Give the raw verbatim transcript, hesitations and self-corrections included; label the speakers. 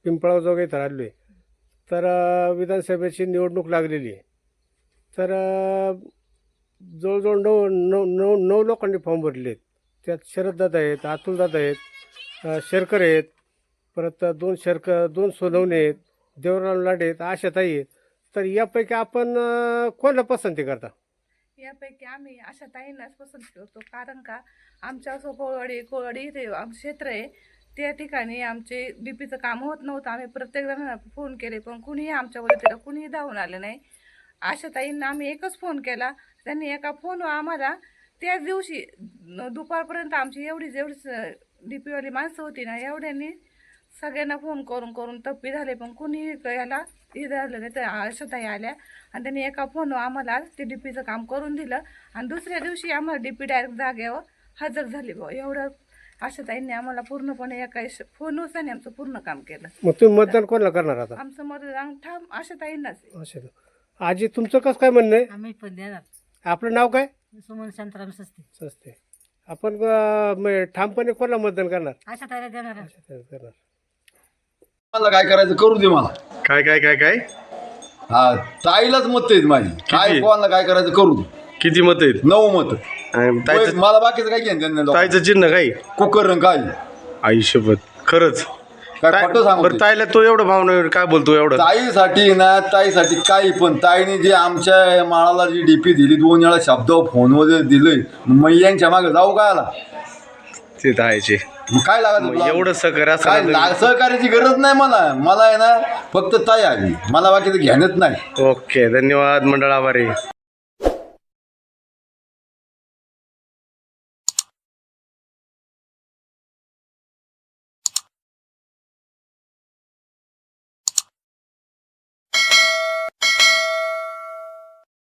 Speaker 1: पिंपळाजोग इथं राहिलो आहे. तर अ, विधानसभेची निवडणूक लागलेली आहे. तर अ, जवळजवळ नऊ नऊ नऊ नऊ लोकांनी फॉर्म भरले आहेत. त्यात शरददादा आहेत, अतुलदादा आहेत, अ, शेरकर आहेत, परत दोन शेरकर दोन सोनवणे आहेत, देवराम लाडे आहेत, आशाताई आहेत. तर यापैकी आपण अ, कोणाला पसंती करता?
Speaker 2: यापैकी आम्ही अशा ताईंनाच पसंत करतो, कारण का आमच्या असं कोळवाडी कोळवाडी इथे आमचं क्षेत्र आहे. त्या ठिकाणी आमचे डीपीचं काम होत नव्हतं. आम्ही प्रत्येक जणांना फोन केले, पण कुणीही आमच्या वतीला कुणीही धावून आलं नाही. अशा ताईंना आम्ही एकच फोन केला, त्यांनी एका फोनवर आम्हाला त्याच दिवशी न- दुपारपर्यंत आमची एवढी जेवढी डीपीवाली माणसं होती ना, एवढ्यांनी सगळ्यांना फोन करून करून तप्पी झाले, पण कुणीही याला हे झालं नाही. तर आशाताई आल्या आणि त्यांनी एका फोनवर आम्हाला ते डीपीचं काम करून दिलं आणि दुसऱ्या दिवशी आम्हाला डीपी डायरेक्ट जागेवर हजर झाली. भाऊ एवढं आशाताईंनी आम्हाला पूर्णपणे एका फोनवर त्यांनी आमचं पूर्ण काम केलं.
Speaker 1: मग तुम्ही मतदान कोणाला करणार आता?
Speaker 2: आमचं मतदान ठाम आशाताईंनाच आहे.
Speaker 1: असं आजी, तुमचं कसं काय म्हणणं आहे?
Speaker 3: आम्ही पण देणार.
Speaker 1: आपलं नाव काय?
Speaker 3: सुमन शांताराम सस्ते.
Speaker 1: सस्ते. आपण अ, म- ठामपणे कोणाला मतदान करणार?
Speaker 3: अशा ताईला देणार.
Speaker 1: करणार.
Speaker 4: मला काय करायचं करू दे मला.
Speaker 5: काय काय काय काय
Speaker 4: हा ताईलाच मत आहेत माझी. काय कोणाला काय करायचं करू दे.
Speaker 5: किती मत आहेत?
Speaker 4: नऊ मत.
Speaker 5: आणि ताईचं
Speaker 4: मला बाकीचं काय घेणं देणं नाही.
Speaker 5: ताईचं चिन्ह काय?
Speaker 4: कुकर रंग काय
Speaker 5: आयुष्यभर खरंच
Speaker 4: काय
Speaker 5: ताई-
Speaker 4: खोटं सांगू
Speaker 5: बरं,
Speaker 4: ते?
Speaker 5: ताईला तो एवढं भावना काय बोलतो एवढं?
Speaker 4: ताईसाठी ना ताईसाठी काही पण ताईने जे आमच्या माळाला जी डीपी दिली दोन वेळा शब्द फोनवर दिले, मग यांच्या मागे जाऊ काय आला
Speaker 5: ते ताईचे
Speaker 4: मग काय लागत
Speaker 5: मग एवढं सहकार्य असं
Speaker 4: काय
Speaker 5: नाही.
Speaker 4: ला- सहकार्याची गरज नाही मला. मला आहे ना फक्त ताई आली, मला बाकीचं घेणंच नाही.
Speaker 5: ओके, धन्यवाद मंडळ, आभारी.